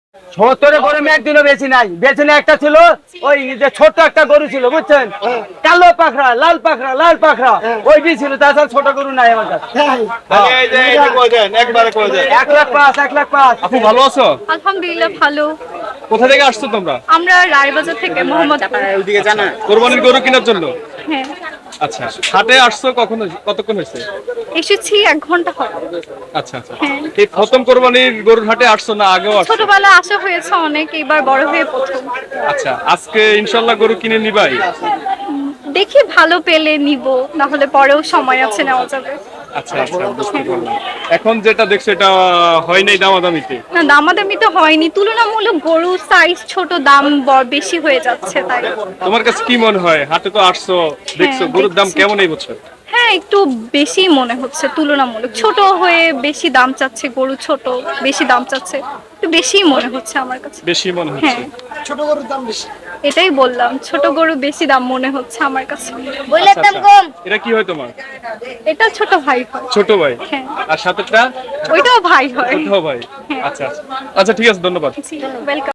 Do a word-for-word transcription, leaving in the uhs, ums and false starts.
সত্তরে গরু একদিনও বেশি নাই, বেশি না একটা ছিল ওই যে ছোট একটা গরু ছিল বুঝছেন, কালো পাখরা লাল পাখরা লাল পাখরা ওইটি ছিল, তাছাড়া ছোট গরু নাই আমার কাছে। এক লাখ পাঁচ এক লাখ পাঁচ। আপু ভালো আছো? আলহামদুলিল্লাহ ভালো। কোথা থেকে আসছো তোমরা? আমরা রায়বাজার থেকে মোহাম্মদ। কোরবানির গরু কেনার জন্য? হ্যাঁ আচ্ছা, হাটে আসছো কখন, কতক্ষণ হয়েছে? এসেছি এক ঘন্টা হবে। আচ্ছা আচ্ছা, এই প্রথম কোরবানির গরুর হাটে আসছো না আগেও আসছো? ছোটবেলায় আসা হয়েছে অনেক, এবার বড় হয়ে প্রথম। আচ্ছা, আজকে ইনশাল্লাহ গরু কিনে নিবাই? দেখি ভালো পেলে নিব, না হলে পরেও সময় আছে নেওয়া যাবে। আচ্ছা আচ্ছা, বুঝতে পারলাম। এখন যেটা দেখছো এটা হয় নাই দামাদামিতে? না দামাদামি তো হয়নি, তুলনামূলক গরু সাইজ ছোট, দাম ব- বেশি হয়ে যাচ্ছে তাই। তোমার কাছে কি মনে হয়, হাটে তো আসছো দেখছো, হ্যাঁ, গরুর দাম দেখছি। কেমন এই বছর? হ্যাঁ একটু বেশি মনে হচ্ছে তুলনামূলক, ছোট হয়ে বেশি দাম চাচ্ছে, গরু ছোট বেশি দাম চাচ্ছে, একটু বেশি মনে হচ্ছে আমার কাছে। বেশি মনে হচ্ছে? হ্যাঁ ছোট গরুর দাম বেশি, এটাই বললাম, ছোট গরু বেশি দাম মনে হচ্ছে আমার কাছে। আচ্ছা, আচ্ছা। এটা কি হয় তোমার? এটা ছোট ভাই হয়। ছোট ভাই? হ্যাঁ। আর সাথেটা? ওইটাও ভাই হয়। ওটাও ভাই? আচ্ছা আচ্ছা, আচ্ছা ঠিক আছে, ধন্যবাদ। ওয়েলকাম।